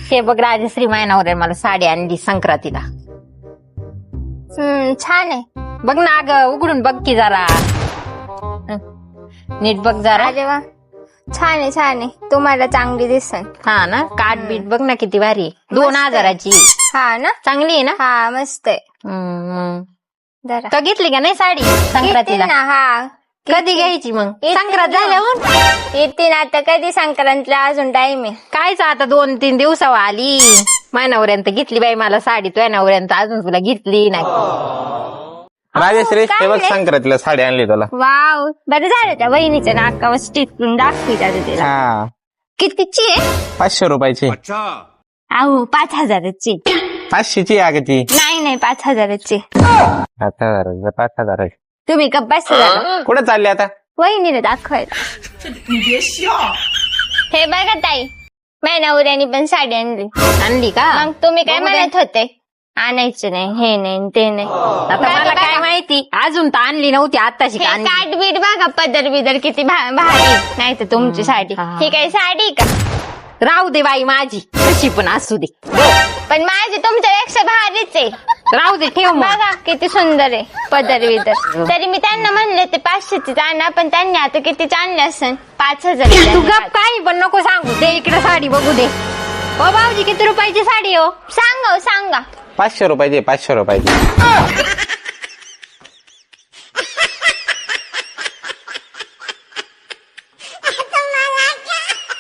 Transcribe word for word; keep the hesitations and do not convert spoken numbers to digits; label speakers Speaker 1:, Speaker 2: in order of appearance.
Speaker 1: हे बघ राजश्री मायनावर मला साडी आणली संक्रांतीला.
Speaker 2: हम्म छान आहे.
Speaker 1: बघ ना अगं उघडून बघ की जरा. नीट बघ जरा.
Speaker 2: अरे वा छान आहे छान आहे. तुम्हाला चांगली दिसन.
Speaker 1: हा ना काट बीट बघ ना किती भारी आहे. दोन हजाराची.
Speaker 2: हा ना
Speaker 1: चांगली आहे ना.
Speaker 2: हा मस्त आहे.
Speaker 1: हम्म
Speaker 2: जरा
Speaker 1: तर घेतली का नाही साडी संक्रांतीला?
Speaker 2: ना हा
Speaker 1: कधी घ्यायची मग?
Speaker 2: येते
Speaker 1: संक्रांत
Speaker 2: ना.
Speaker 1: झाल्यावर
Speaker 2: येते ना आता. कधी संक्रांतला अजून टाइम आहे.
Speaker 1: कायच आता दोन तीन दिवसावर आली. मायनावऱ्यांत घेतली बाई मला साडी. तुझ्या नवऱ्यांत अजून तुला घेतली नाही.
Speaker 3: राजश्री
Speaker 2: काय
Speaker 3: हे बघ
Speaker 2: नाही.
Speaker 3: संक्रांतीला साडी आणली तुला.
Speaker 2: वाव बरं झालं त्या वहिनीच्या नाकावर स्टिकून दाखवी तिला.
Speaker 3: हा
Speaker 2: कितीची आहे?
Speaker 3: पाचशे रुपयाची.
Speaker 2: अहो पाच हजाराची.
Speaker 3: पाचशेची आहे ती.
Speaker 2: नाही नाही पाच हजाराची.
Speaker 3: पाच हजार पाच हजार
Speaker 2: तुम्ही का पाच हजार
Speaker 3: कुठे चालली आता?
Speaker 2: वहिनीला दाखवायला. हे बघा ताई माझ्या नवऱ्याने पण साडी आणली.
Speaker 1: आणली का?
Speaker 2: मग तुम्ही काय
Speaker 1: बघू दे.
Speaker 2: म्हणत होते आणायचं नाही हे नाही ते नाही.
Speaker 1: आता
Speaker 2: बघा,
Speaker 1: मला काय
Speaker 2: बघा.
Speaker 1: माहिती अजून तर आणली नव्हती आताशी
Speaker 2: हे
Speaker 1: का आणली.
Speaker 2: काट बीट बघा पदर बिदर किती भा- भारी. नाही तर तुमची साडी
Speaker 1: हा.
Speaker 2: ही काही साडी का?
Speaker 1: राहू दे बाई माझी कशी पण असू दे.
Speaker 2: पण माझी तुमच्यापेक्षा भारीच आहे.
Speaker 1: राहू दे ठेव मग.
Speaker 2: बघा किती सुंदर आहे पदर बिदर. तरी मी त्यांना म्हणले ते पाचशेची आणा पण त्यांनी आता कितीच आणले असेल पाच
Speaker 1: तू
Speaker 2: हजार.
Speaker 1: गप काही पण नको सांगू. दे इकडे साडी बघू दे. ओ भाऊजी किती रुपयाची साडी हो?
Speaker 2: सांगा हो, सांगा.
Speaker 3: पाचशे रुपयाची पाचशे रुपयाची.